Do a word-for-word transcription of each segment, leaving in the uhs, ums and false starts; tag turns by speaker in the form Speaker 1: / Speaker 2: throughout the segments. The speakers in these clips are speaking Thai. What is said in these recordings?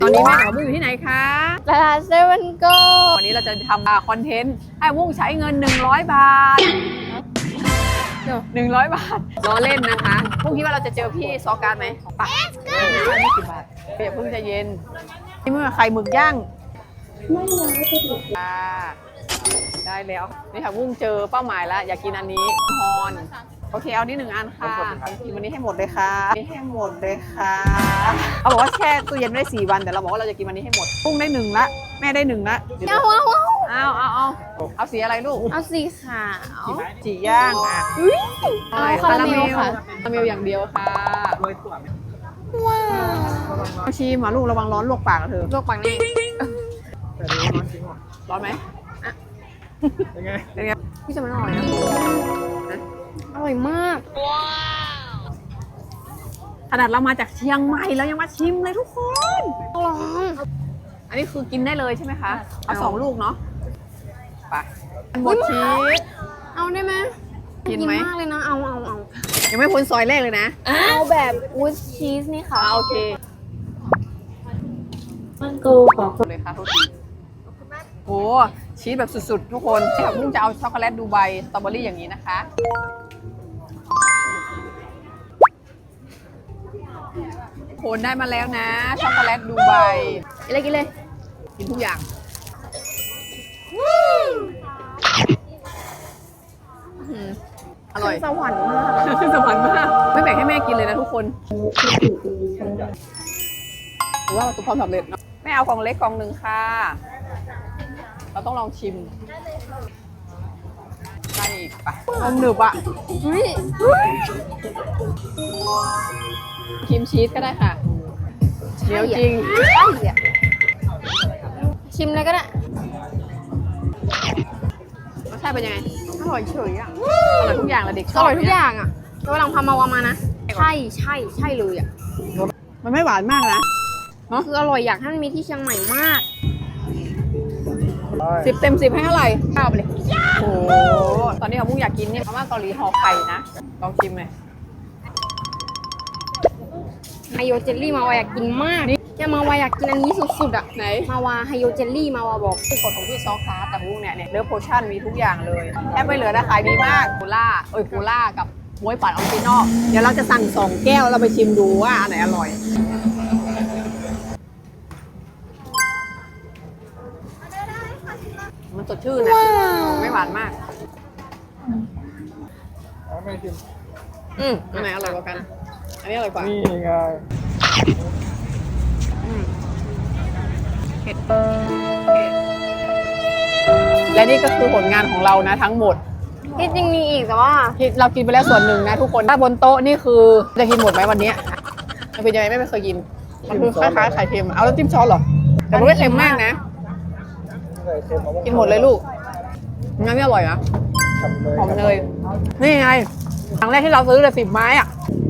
Speaker 1: ตอนนี้แม่กับมุ้งอยู่ที่ไหนคะ
Speaker 2: ตลาดเซเว่นโก
Speaker 1: วันนี้เราจะทำคอนเทนต์ให้มุ้งใช้เงินหนึ่งร้อยบาทหนึ่งร้อยบาทล้อเล่นนะคะมุ้งคิดว่าเราจะเจอพี่ซอการไหมปะไม่กี่บาทเดี๋ยวเพิ่งจะเย็นนี่เมื่อไข่หมึกย่างไม่ร้อยก็ถูกได้แล้วนี่ค่ะมุ้งเจอเป้าหมายแล้วอยากกินอันนี้ฮอนโอเคเอานี่หนึ่งอันค่ะกินวันนี้ให้หมดเลยค่ะนี่ให้หมดเลยค่ะเขาบอกว่าแช่ตู้เย็นได้สี่วันแต่เราบอกว่าเราจะกินวันนี้ให้หมดกุ้งได้หนึ่งละแม่ได้หนึ่งละ
Speaker 2: เอาเอา
Speaker 1: เอาเอาเอาเอาสีอะไรลูก
Speaker 2: เอาสีขาว
Speaker 1: สีย่างอ่ะ
Speaker 2: เอาคาราเมลค่ะ
Speaker 1: คาราเมลอย่างเดียวค่ะ
Speaker 2: ว้าว
Speaker 1: ชิมอ่ะลูกระวังร้อนลวกปากนะเธอ
Speaker 2: ลวกปากนี่
Speaker 1: ร้อนไหม
Speaker 3: เป็นไง
Speaker 1: เป็นไง
Speaker 2: พี่จะมันอร่อยนะอร่อยมาก
Speaker 1: ขนาดเรามาจากเชียงใหม่แล้วยังมาชิมเลยทุกคน
Speaker 2: ลอง
Speaker 1: อันนี้คือกินได้เลยใช่ไหมคะเอาสองลูกเนาะไปหมดชีส
Speaker 2: เอาได้ไหม
Speaker 1: กินไหม
Speaker 2: มากเลยนะเอาเอาเอา
Speaker 1: ยังไม่พ้นซอยแรกเลยนะ
Speaker 2: เอาแบบวูดชีสนี่ค่ะ
Speaker 1: โอเค
Speaker 2: มันกูขอ
Speaker 1: เลยค่ะทุกทีโอ้ชีสแบบสุดๆทุกคนแต่พุ่งจะเอาช็อกโกแลตดูไบสตรอเบอรี่อย่างนี้นะคะโคนได้มาแล้วนะช็อกโกแลตดูไบ
Speaker 2: กินเลยกินเลย
Speaker 1: กินทุกอย่างอร่อย
Speaker 2: สวรรค์มาก
Speaker 1: สวรรค์มากไม่แบ่งให้แม่กินเลยนะทุกคนหรือว่าประสบความสำเร็จเนาะแม่เอากล่องเล็กกล่องหนึ่งค่ะเราต้องลองชิมใช่ปะนมหนึบอ่ะชิมชีสก็ได้ค่ะเดี๋ยวจริง
Speaker 2: ชิมเลยก็ได้
Speaker 1: รสชาติเป็นยังไงอร่อยเฉยอ่ะอร่อยทุกอย่างเลยเด็ก
Speaker 2: อร่อยทุกอย่างอ่ะตัวลองพามาวามานะใช่ใช่ใช่เลยอ่ะ
Speaker 1: มันไม่หวานมากนะ
Speaker 2: เนาะคืออร่อยอยากให้มันมีที่เชียงใหม่มาก
Speaker 1: สิบเต็มสิบให้เท่าไหร่เก้าไปเลยโอ้โหตอนนี้เขามุ่งอยากกินเนี่ยมาม่าเกาหลีห่อไข่นะลองชิมเลย
Speaker 2: ไฮโยเจลลี่มาวาอยากกินมากเนี่ยมาวาอยากกินอันนี้สุดๆอ่ะ
Speaker 1: ไหน
Speaker 2: มาวาไฮโยเจลลี่มาวาบอก
Speaker 1: ที่กดของพี่ซอคาร์แต่มุ่งเนี่ยเนี่ยเลือกโพชั่นมีทุกอย่างเลยแทบไม่เหลือนะขายดีมากโคล่าเอ้ยโคล่ากับบ๊วยปั่นออริจินอลเดี๋ยวเราจะสั่งสองแก้วเราไปชิมดูว่าอันไหนอร่อยมันสดชื่นนะไม่หวานมาก
Speaker 3: ไม่ชิม
Speaker 1: อืมอันไหนอร่อยกว่ากันอันนี้อร่อยกว่า
Speaker 3: นี่ไง
Speaker 1: เผ็ดและนี่ก็คือผลงานของเรานะทั้งหมด
Speaker 2: ที่จริงมีอีกแต่ว่า
Speaker 1: ที่เรากินไปแล้วส่วนหนึ่งนะทุกคนถ้าบนโต๊ะนี่คือจะกินหมดไหมวันนี้มันเป็นยังไงไม่เคยกินมันคือคล้ายๆไข่เค็มเอาแล้วจิ้มช้อนหรอแต่มันไม่เค็มมากนะกินหมดเลยลูกงั้นนี่อร่อยนะหอมเนยนี่ไงครั้งแรกที่เราซื้อเลยสิบไม้อะ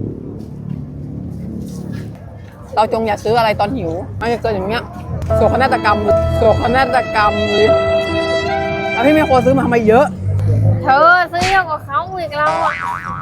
Speaker 1: เราจงอย่าซื้ออะไรตอนหิวมันจะเกิดอย่างเงี้ยโศกนาฏกรรมโศกนาฏกรรมเลยแล้วพี่ไม่ควรซื้อมาทำไมเยอะ
Speaker 2: เธอซื้อเยอะกว่าเขาอีกเราอ่ะ